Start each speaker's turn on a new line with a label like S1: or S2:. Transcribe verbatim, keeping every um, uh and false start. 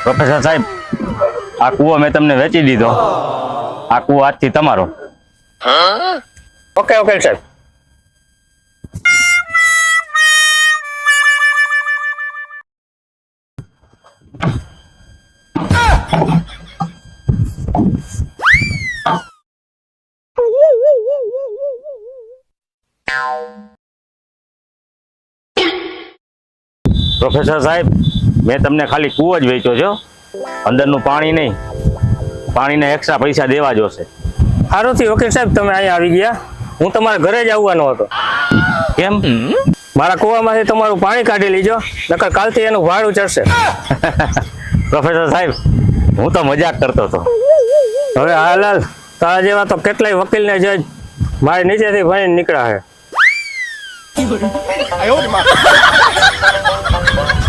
S1: Professor સાહેબ, આ કૂવો મેં તમને વેચી દીધો. આ કૂવો આજથી તમારો.
S2: ઓકે ઓકે સાહેબ.
S1: પ્રોફેસર સાહેબ, મેં તમને ખાલી કૂવો જ વેચ્યો છો, અંદરનું પાણી નહીં. પાણીના એક્સ્ટ્રા પૈસા દેવા જોશે.
S2: સારું થયું વકીલ સાહેબ તમે અહીંયા આવી ગયા. હું તમારા ઘરે જ આવવાનો હતો.
S1: કેમ?
S2: મારા કૂવામાંથી તમારું પાણી કાઢી લીજો, નકર કાલથી એનું ભાડું ચડશે.
S1: પ્રોફેસર સાહેબ, હું તો મજાક કરતો હતો.
S2: હવે હાલાલ તારા જેવા તો કેટલાય વકીલને જજ મારી નીચેથી ભણીને નીકળ્યા છે.